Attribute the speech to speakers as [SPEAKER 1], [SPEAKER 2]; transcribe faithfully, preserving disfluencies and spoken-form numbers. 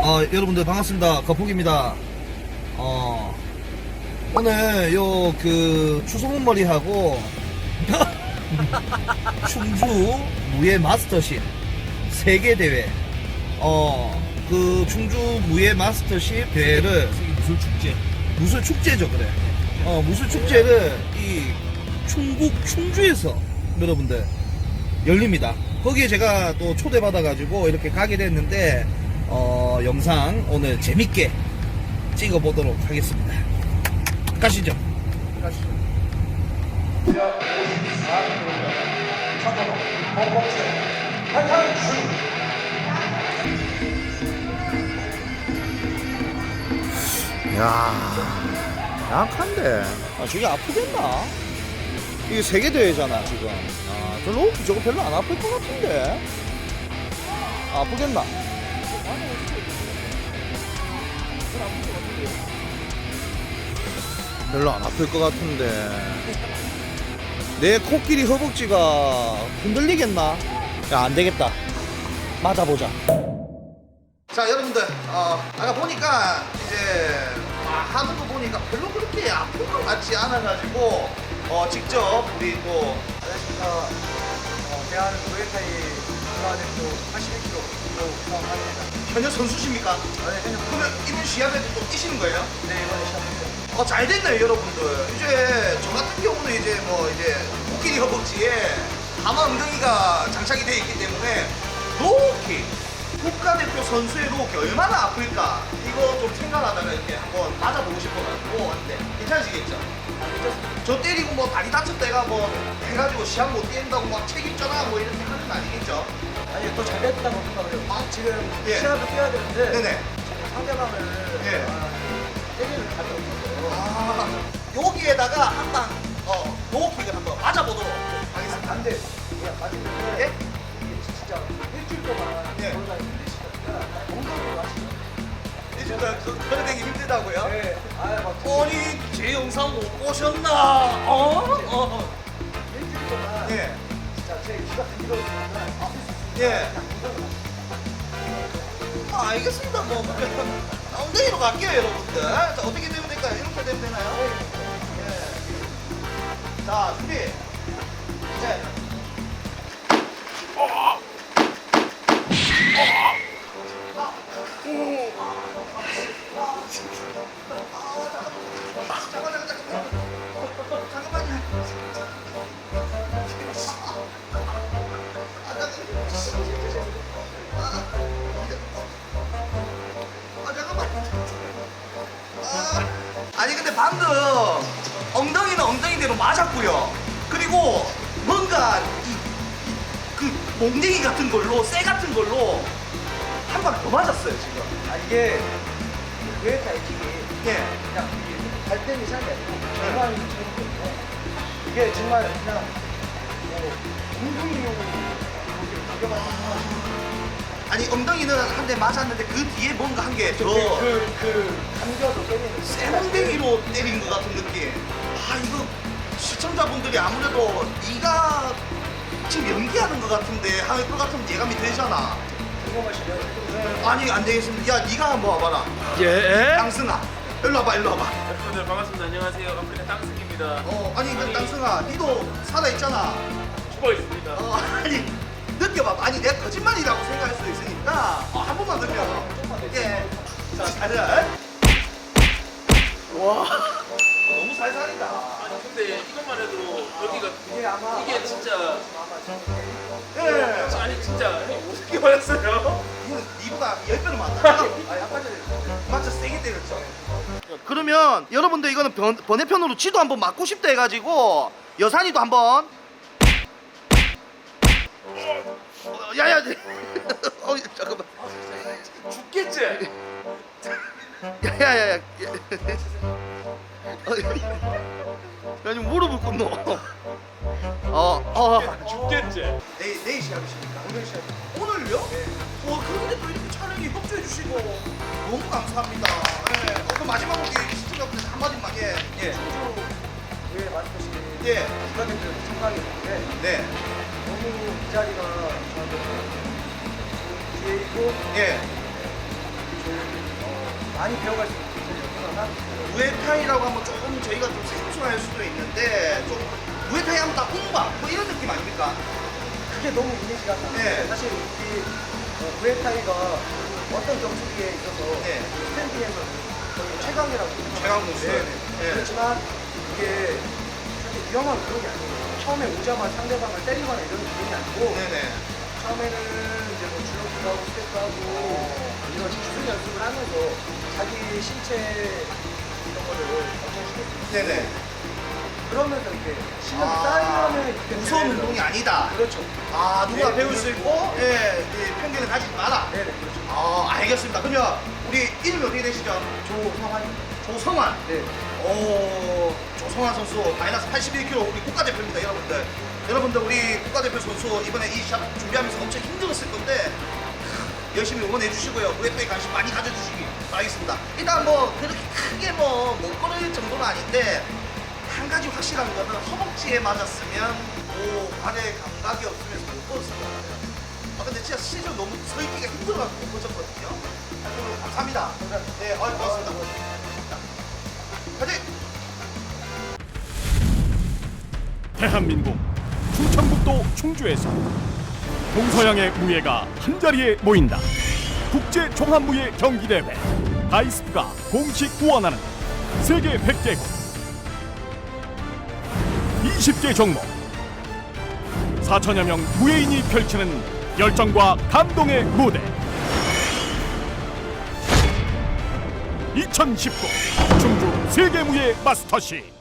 [SPEAKER 1] 어, 여러분들 반갑습니다. 거북입니다. 어, 오늘 요 그 추소문머리하고 충주 무예 마스터십 세계 대회, 어, 그 충주 무예 마스터십 대회를
[SPEAKER 2] 무술 축제.
[SPEAKER 1] 무술 축제죠, 그래. 어, 무술 축제를 이 충북 충주에서 여러분들 열립니다. 거기에 제가 또 초대받아가지고 이렇게 가게 됐는데, 어, 영상 오늘 재밌게 찍어보도록 하겠습니다. 가시죠.
[SPEAKER 2] 가시죠.
[SPEAKER 1] 이야, 약한데. 아, 저게 아프겠나? 이게 세계대회잖아, 지금. 아, 별로, 저거 별로 안 아플 것 같은데. 아, 아프겠나? 별로 안 아플 것 같은데. 내 코끼리 허벅지가 흔들리겠나? 야, 안 되겠다. 맞아보자. 자, 여러분들, 어, 아까 보니까 이제 아, 하는 거 보니까 별로 그렇게 아픈 것 같지 않아가지고 어, 직접 우리 또
[SPEAKER 2] 안녕하십니까. 어, 대한 무에타이 국가대표 팔십일 킬로그램 수상합니다.
[SPEAKER 1] 현역 선수십니까?
[SPEAKER 2] 아, 네, 현역.
[SPEAKER 1] 그러면 이번 시합에 또 뛰시는 거예요?
[SPEAKER 2] 네, 이번에 시작합니다.
[SPEAKER 1] 어, 잘 됐네요, 여러분들. 이제 저 같은 경우는 이제 뭐 이제 코끼리 허벅지에 하마 엉덩이가 장착이 되어 있기 때문에 로우킥, 국가대표 선수의 로우킥 얼마나 아플까 이거 좀 생각하다가 이렇게 한번 맞아보고 싶어가지고 왔는데 괜찮으시겠죠?
[SPEAKER 2] 아, 괜찮습니다.
[SPEAKER 1] 저 때리고 뭐 다리 다쳤다가 뭐 해가지고 시합 못 뛴다고 막 책임져라 뭐 이렇게 하는 거 아니겠죠?
[SPEAKER 2] 아니, 또 잘 됐다고 생각을 해요. 아, 지금
[SPEAKER 1] 예.
[SPEAKER 2] 시합을 뛰어야 되는데
[SPEAKER 1] 네네.
[SPEAKER 2] 지금 상대방을
[SPEAKER 1] 예.
[SPEAKER 2] 아, 때리는 가격이 있어요.
[SPEAKER 1] 아, 여기에다가 한방 어, 로우킥을 한번 맞아보도록 하겠습니다.
[SPEAKER 2] 안 돼. 예, 맞으면
[SPEAKER 1] 예?
[SPEAKER 2] 이게 진짜 일주일 동안
[SPEAKER 1] 예.
[SPEAKER 2] 걸어다니 힘드시니까 엉덩이로 하시죠.
[SPEAKER 1] 이제 그 걸어다니기 힘들다고요?
[SPEAKER 2] 네. 아, 막
[SPEAKER 1] 아니 제 영상 못 보셨나? 어? 어.
[SPEAKER 2] 일주일 동안
[SPEAKER 1] 예.
[SPEAKER 2] 진짜 제 귀가 들리거든요. 아,
[SPEAKER 1] 예.
[SPEAKER 2] 그냥 엉덩이로 하시죠.
[SPEAKER 1] 아, 알겠습니다. 뭐 그러면 엉덩이로 갈게요, 여러분들. 자, 어떻게 되면 될까요? 이렇게 되면 되나요? 예. 자, 준비. 이제. 잠깐만, 잠깐만. 잠깐만요. 아, 아, 잠깐만. 아, 아니 근데 방금 엉덩이는 엉덩이대로 맞았고요. 그리고 뭔가 이, 이, 그 몽댕이 같은 걸로 쇠 같은 걸로 한 방 더 맞았어요 지금.
[SPEAKER 2] 아, 이게 무에타 에킥이
[SPEAKER 1] 예.
[SPEAKER 2] 그냥 이게 발 때문에 시작이 아니고 정말 재밌거든요. 이게 정말 그냥 뭐 공중용으로 이렇게 가격을
[SPEAKER 1] 아니 엉덩이는 한 대 맞았는데 그 뒤에 뭔가 한 게 더
[SPEAKER 2] 그, 그, 감겨서 때리는
[SPEAKER 1] 쇠몽댕이로 때린 것 같은 느낌. 아 이거 시청자분들이 아무래도 네가 지금 연기하는 것 같은데 할 것 같은 예감이 되잖아.
[SPEAKER 2] 궁금하시면
[SPEAKER 1] 아니 안 되겠습니다. 야 네가 한번 와봐라.
[SPEAKER 2] 예?
[SPEAKER 1] 땅승아 일로 와봐 일로 와봐.
[SPEAKER 3] 여러분들 반갑습니다. 안녕하세요. 아프리카 땅승입니다.
[SPEAKER 1] 어 아니 그
[SPEAKER 3] 아니.
[SPEAKER 1] 땅승아 니도 살아있잖아.
[SPEAKER 3] 죽어 있습니다.
[SPEAKER 1] 어 아니 느껴봐. 아니 내가 거짓말이라고 생각할 수 있으니까 어, 한 번만 느껴. 예. 자 가자.
[SPEAKER 2] 와.
[SPEAKER 1] 너무 살살이다.
[SPEAKER 3] 아니 근데 이것만 해도 여기가
[SPEAKER 2] 이게 아마
[SPEAKER 3] 이게 진짜
[SPEAKER 1] 예.
[SPEAKER 3] 아니 진짜 어떻게 말했어요?
[SPEAKER 1] 이거는 니보다 열 배는 많다.
[SPEAKER 2] 아, 아까 전에
[SPEAKER 1] 맞죠? 세게 때렸죠. 그러면 여러분들 이거는 번, 번외편으로 지도 한번 맞고 싶다 해가지고 여산이도 한번. 어, 야야. 어 잠깐만.
[SPEAKER 3] 죽겠지?
[SPEAKER 1] 야야야야. 야니 무릎을 꿇노. 어 어.
[SPEAKER 3] 죽겠지?
[SPEAKER 1] 내일 내일 시합이십니까? 오늘 시합. 오늘요? 네. 와 그런데 또 이렇게 촬영에 협조해 주시고 너무 감사합니다. 예. 어, 그럼 마지막으로 이 시청자분들 한 마디만 예. 예.
[SPEAKER 2] 왜 말씀하신
[SPEAKER 1] 예.
[SPEAKER 2] 국가대표 참가하게 됐는데
[SPEAKER 1] 네.
[SPEAKER 2] 너무 이 자리가 저한테 기회이고
[SPEAKER 1] 예.
[SPEAKER 2] 좋은 많이 배워갈 수 있는 기회를 생각하고 있어요.
[SPEAKER 1] 무에타이라고 하면 조금 저희가 좀 생소할 수도 있는데 좀 무에타이 하면 다 운바 뭐 이런 느낌 아닙니까?
[SPEAKER 2] 그게 너무 이미지가 강해요.
[SPEAKER 1] 네.
[SPEAKER 2] 사실 이 어, 무에타이가 어떤 경수기에 있어서
[SPEAKER 1] 네.
[SPEAKER 2] 스탠딩에서 거의 최강이라고 생각해요.
[SPEAKER 1] 최강 공수.
[SPEAKER 2] 네.
[SPEAKER 1] 네.
[SPEAKER 2] 그렇지만 이게 사실 위험한 그런 게 아니에요. 처음에 오자마자 상대방을 때리거나 이런 기능이 아니고
[SPEAKER 1] 네네.
[SPEAKER 2] 처음에는 이제 뭐 줄넘기도 하고 스텝도 하고 이런 기술 연습을 하면서 자기 신체 이런 거를 발전시킬 수 있어요.
[SPEAKER 1] 네네.
[SPEAKER 2] 그러면서 이렇게 실력이
[SPEAKER 1] 아,
[SPEAKER 2] 쌓이면은 이렇게
[SPEAKER 1] 무서운
[SPEAKER 2] 되면서-
[SPEAKER 1] 운동이 아니다.
[SPEAKER 2] 그렇죠.
[SPEAKER 1] 아 누구나
[SPEAKER 2] 네,
[SPEAKER 1] 배울 수
[SPEAKER 2] 그렇죠.
[SPEAKER 1] 있고 예, 예 편견을 가지지 마라.
[SPEAKER 2] 네네 그렇죠.
[SPEAKER 1] 아 알겠습니다. 그러면 우리 이름이 어떻게 되시죠?
[SPEAKER 2] 조성환입니다.
[SPEAKER 1] 조성환.
[SPEAKER 2] 네.
[SPEAKER 1] 오, 조성환 선수 마이너스 팔십일 킬로그램 우리 국가대표입니다, 여러분들. 여러분들 우리 국가대표 선수 이번에 이 샷 준비하면서 엄청 힘들었을 건데 열심히 응원해 주시고요. 무에타이 관심 많이 가져주시기 바라겠습니다. 일단 뭐 그렇게 크게 뭐 못 걸을 정도는 아닌데 한 가지 확실한 거는 허벅지에 맞았으면 오 발에 감각이 없으면서 못 걸었을 것 같아요. 아 근데 진짜 실제로 너무 서 있기가 힘들어가지고 못 걸었거든요. 하여튼 감사합니다. 네, 어, 고맙습니다. 자, 화이팅!
[SPEAKER 4] 대한민국 충청북도 충주에서 동서양의 무예가 한자리에 모인다. 국제 종합무예 경기대회 다이스트가 공식 후원하는 세계 백 개국 이십 개 종목 사천여 명 무예인이 펼치는 열정과 감동의 무대 이천십구 충주 세계무예 마스터십